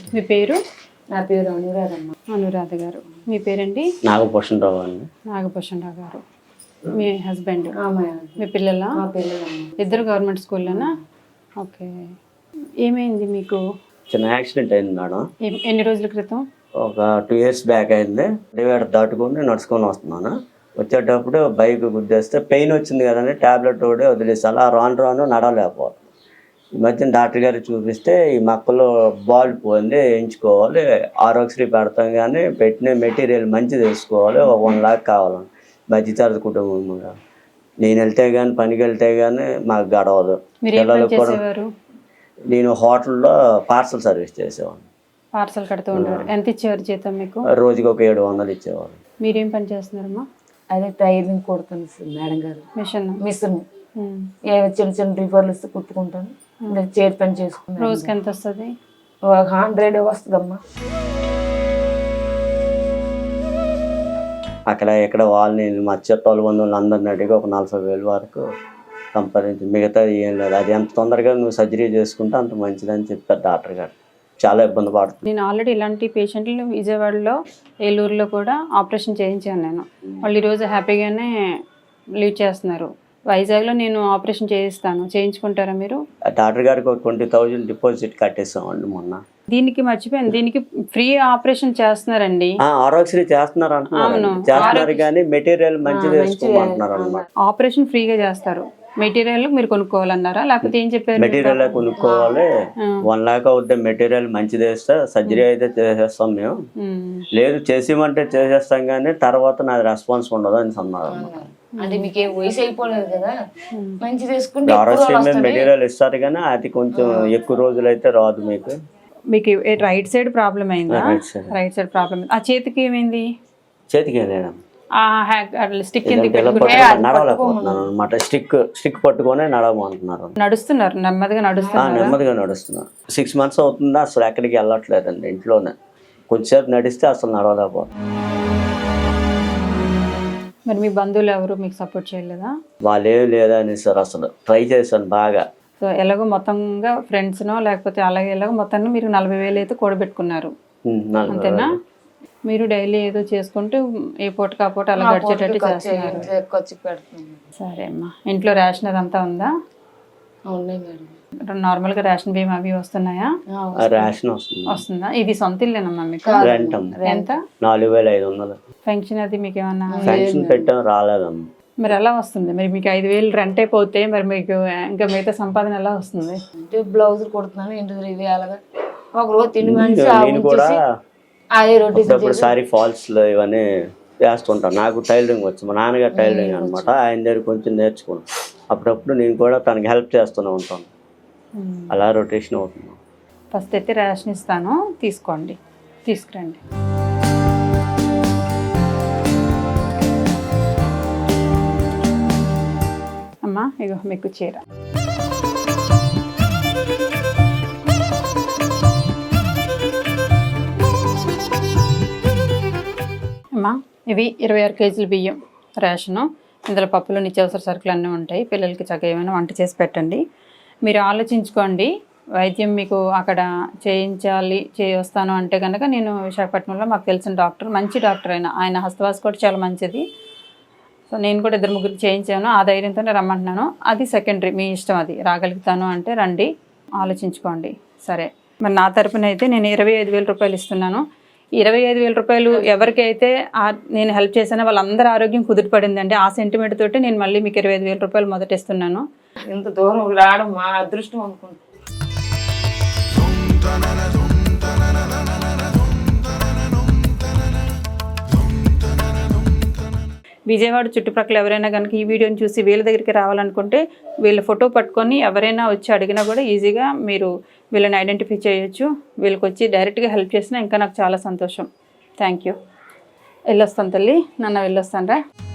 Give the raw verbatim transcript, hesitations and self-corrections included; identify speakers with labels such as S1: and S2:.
S1: మీ పేరు?
S2: నా పేరు అనురాధ అమ్మ.
S1: అనురాధ గారు. మీ పేరండి?
S3: నాగభూషణరావు అండి.
S1: నాగభూషణరావు గారు. మీ హస్బెండ్?
S2: ఆమె.
S1: మీ పిల్లల?
S2: మా పిల్లలమ్మ.
S1: ఇద్దరు గవర్నమెంట్ స్కూల్లోనా? ఓకే. ఏమైంది మీకు?
S3: చిన్న యాక్సిడెంట్ అయింది మేడం.
S1: ఎ- ఎన్ని రోజుల క్రితం?
S3: ఒక టూ ఇయర్స్ బ్యాక్ అయింది. డివైడర్ దాటుకొని నడుచుకొని వస్తున్నాను. వచ్చేటప్పుడు బైక్ గుద్దేస్తే పెయిన్ వచ్చింది కదండి, ట్యాబ్లెట్ కూడా వదిలేసి అలా రాను రాను నడవలేకపోతుంది. ఈ మధ్యన డాక్టర్ గారికి చూపిస్తే ఈ మక్కలో బాల్ పోయింది, వేయించుకోవాలి, ఆరోగ్యశ్రీ పెడతాం కానీ పెట్టిన మెటీరియల్ మంచిది వేసుకోవాలి, ఒక వన్ లాక్ కావాలని మధ్యతరగతి కుటుంబం కూడా. నేను వెళ్తే కానీ పనికి వెళ్తే కానీ మాకు గడవదు.
S1: మీరు ఏం పని
S3: పిల్లలకు కూడా
S1: చేసేవారు?
S3: నేను హోటల్లో పార్సల్ సర్వీస్ చేసేవాడిని.
S1: పార్సల్ కడుతూ ఉండేవారు. ఎంత ఇచ్చేవారు జీతం మీకు?
S3: రోజుకి ఒక ఏడు వందలు ఇచ్చేవారు.
S1: మీరేం పని చేస్తున్నారమ్మా?
S2: అదే టైలరింగ్ కుడుతుంది సార్ మేడం గారు.
S1: మిషన్?
S2: మిషన్ ఏ చిన్న చిన్న రిఫర్లు ఇస్తే కుట్టుకుంటాను. ఇంకా చేతి పని చేసుకుంటాను.
S1: రోజుకి ఎంత వస్తుంది?
S2: ఒక హండ్రెడ్ వస్తుందమ్మా.
S3: అక్కడ ఇక్కడ వాళ్ళని మా చుట్టాలు బంధువులు అందరిని అడిగి ఒక నలభై వేలు వరకు సంపాదించి మిగతా ఏం లేదు. అది ఎంత తొందరగా నువ్వు సర్జరీ చేసుకుంటే అంత మంచిదని చెప్పారు డాక్టర్ గారు. చాలా ఇబ్బంది పడుతుంది.
S1: నేను ఆల్రెడీ ఇలాంటి పేషెంట్లు విజయవాడలో, ఏలూరులో కూడా ఆపరేషన్ చేయించాను నేను. వాళ్ళు ఈరోజు హ్యాపీగానే లీవ్ చేస్తున్నారు. వైజాగ్లో నేను ఆపరేషన్ చేయిస్తాను, చేయించుకుంటారా మీరు?
S3: డాక్టర్ గారికి ఒక ట్వంటీ థౌజండ్ డిపాజిట్ కట్టేసామండి మొన్న.
S1: దీనికి మర్చిపోయాను, దీనికి ఫ్రీ ఆపరేషన్ చేస్తున్నారండి.
S3: ఆరోగ్యశ్రీ చేస్తున్నారు అంటున్నారు, చేస్తున్నారు కానీ మెటీరియల్ మంచిది వేసుకోమంటున్నారు అనమాట.
S1: ఆపరేషన్ ఫ్రీగా చేస్తారు, మెటీరియల్ మీరు కొనుక్కోవాలన్నారా లేకపోతే ఏం చెప్పారు?
S3: మెటీరియల్ కొనుక్కోవాలి, వన్ లాక్ అవుతే మెటీరియల్ మంచిది వేస్తే సర్జరీ అయితే చేసేస్తాం మేము. లేదు చేసేమంటే చేసేస్తాం కానీ తర్వాత నాది రెస్పాన్స్ ఉండదు అని అన్నారు అన్నమాట.
S2: అంటే మీకు వయసు అయిపోలేదు కదా, మంచి తీసుకుంటే
S3: ఆరోగ్య మెటీరియల్ ఇస్తారు కానీ అది కొంచెం ఎక్కువ రోజులు అయితే రాదు. మీకు
S1: మీకు రైట్ సైడ్ ప్రాబ్లం అయిందా? Right side problem. ఆ చేతికి ఏమైంది?
S3: చేతికి లేదమ్మా,
S1: స్టిక్
S3: నడవలేకపోతున్నాను అనమాట. స్టిక్ స్టిక్ పట్టుకొని నడవమంటున్నారు.
S1: నడుస్తున్నారు, నెమ్మదిగా నడుస్తున్నారు.
S3: నెమ్మదిగా నడుస్తున్నారు. సిక్స్ మంత్స్ అవుతుందా అసలు ఎక్కడికి వెళ్ళట్లేదండి, ఇంట్లోనే. కొంచెంసేపు నడిస్తే అసలు నడవలేకపోతున్నాను.
S1: మరి మీ బంధువులు ఎవరు మీకు సపోర్ట్ చేయలేదా?
S3: వాళ్ళు ఏం లేదని సార్, అసలు ట్రై చేశాను బాగా.
S1: సో ఎలాగో మొత్తంగా ఫ్రెండ్స్నో లేకపోతే అలాగే ఎలాగో మొత్తాన్ని మీరు నలభై వేలు అయితే కూడబెట్టుకున్నారు అంతేనా? మీరు డైలీ ఏదో చేసుకుంటూ ఏ పూట కాపూట అలా గడిచేటట్టు చేస్తున్నారు. సరే అమ్మా. ఇంట్లో రేషన్ అదంతా ఉందా? నార్మల్గా రేషన్ బియ్యం అవి వస్తున్నాయా?
S3: రేషన్
S1: వస్తుందా? ఇది సొంత ఇల్లేనమ్మా మీకు? ఎంత?
S3: నాలుగు వేల ఐదు వందలు.
S1: పెన్షన్ అది మీకు ఏమన్నా?
S3: పెన్షన్ పెట్టాం, రాలేదమ్మా.
S1: మరి ఎలా వస్తుంది? మరి మీకు ఐదు వేలు రెంట్ అయిపోతే మరి మీకు ఇంకా మిగతా సంపాదన ఎలా వస్తుంది?
S2: బ్లౌజ్ కుడుతున్నాను, ఇంటి ఇవి అలాగా ఒక రోజు తిండి మనిషి
S3: నేను కూడా
S2: అదే రొట్టె
S3: సారీ ఫాల్స్ లో ఇవన్నీ వేస్తుంటాను. నాకు టైలరింగ్ వచ్చు, మా నాన్నగారు టైలరింగ్ అనమాట. ఆయన దగ్గర కొంచెం నేర్చుకున్నాను. అప్పుడప్పుడు నేను కూడా తనకి హెల్ప్ చేస్తూనే ఉంటాను. అలా రొటేషన్ అవుతుంది.
S1: ఫస్ట్ అయితే రేషన్ ఇస్తాను, తీసుకోండి, తీసుకురండి. అమ్మా ఇగో మీకు చీర. అమ్మా ఇవి ఇరవై ఆరు కేజీల బియ్యం రేషను. ఇందులో పప్పులు, నిత్యావసర సరుకులు అన్నీ ఉంటాయి. పిల్లలకి చక్కగా ఏమైనా వంట చేసి పెట్టండి. మీరు ఆలోచించుకోండి. వైద్యం మీకు అక్కడ చేయించాలి చేస్తాను అంటే కనుక నేను విశాఖపట్నంలో మాకు తెలిసిన డాక్టర్, మంచి డాక్టర్ అయినా, ఆయన హస్తవాస కూడా చాలా మంచిది. సో నేను కూడా ఇద్దరు ముగ్గురికి చేయించాను, ఆ ధైర్యంతోనే రమ్మంటున్నాను. అది సెకండరీ, మీ ఇష్టం. అది రాగలుగుతాను అంటే రండి, ఆలోచించుకోండి. సరే, మరి నా తరపున అయితే నేను ఇరవై ఐదు వేల రూపాయలు ఇస్తున్నాను. ఇరవై ఐదు వేల రూపాయలు ఎవరికైతే నేను హెల్ప్ చేశానో వాళ్ళందరూ ఆరోగ్యం కుదిరిపడిందండి. ఆ సెంటిమెంట్ తోటి నేను మళ్ళీ మీకు ఇరవై ఐదు వేల రూపాయలు మొదట ఇస్తున్నాను.
S2: ఇంత దూరం రావడం మా అదృష్టం అనుకుంటున్నాను.
S1: విజయవాడ చుట్టుప్రక్కల ఎవరైనా కనుక ఈ వీడియోని చూసి వీళ్ళ దగ్గరికి రావాలనుకుంటే వీళ్ళ ఫోటో పట్టుకొని ఎవరైనా వచ్చి అడిగినా కూడా ఈజీగా మీరు వీళ్ళని ఐడెంటిఫై చేయొచ్చు. వీళ్ళకి వచ్చి డైరెక్ట్గా హెల్ప్ చేసినా ఇంకా నాకు చాలా సంతోషం. Thank you. వెళ్ళొస్తాను తల్లి, నాన్న వెళ్ళొస్తాను రా.